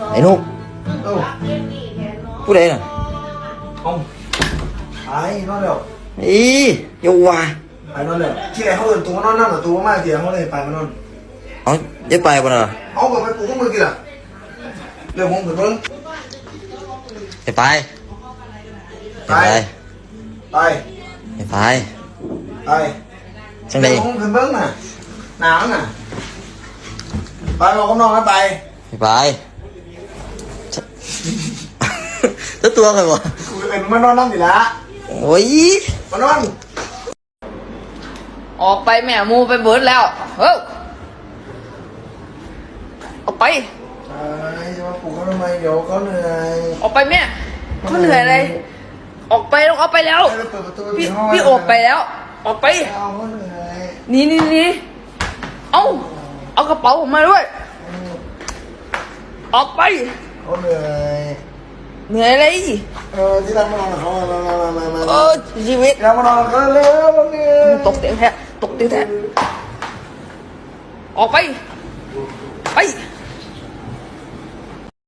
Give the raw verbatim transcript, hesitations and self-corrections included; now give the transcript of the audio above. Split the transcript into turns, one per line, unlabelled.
ไอ้นุ๊ก
เอ้า
ผู้ใดน่ะ
เอาไอ้นอนแล้ว
อีโยวา
ไปนอนแล้วที่ไหนเขาเอินตัวมานอนนั่งหรือตัวมากเสียเขาเลยไปมานอน
เอาได้ไปบ่น่ะ
เอาไปปลุกมือกี่ล่ะเรื่องของผมเพิ่ง
ไปไปไป
ไป
ไปไป
ไป
จังได๋
เรื่องของผมเพิ่งน่ะหนาวน่ะไปเราก็นอนกันไป
ไปไปจะตัวกันบ่
กูเป็นมานอนนั่งอยู่ละ
โอ้ย
มานอน
ออกไปแม่มูไปเบิดแล้วเฮ้ยออกไป
ไอ้จะมาปลุกเขาทำไมเดี๋ยวเขาเหนื่อย
ออกไปแม่เขาเหนื่อยเลยออกไปต้องออกไปแล้ว
ให้เราเปิดประตู
พี่
ห้อง
พี่ออกไปแล้ว ออกไป
เอาเขาเหนื่อย
หนี่นี่นี่เอาเอากระเป๋าผมมาด้วย ออกไป
เขาเหนื่อย
เหนื่อยอะไร
เออที่รักมานอนกับเขามามามามามา
เออชีวิต
ที่รักมานอนกับเขาเร็วๆเนี่ย
ตกเตียงแท้ตกเตียงแท้ออกไปไป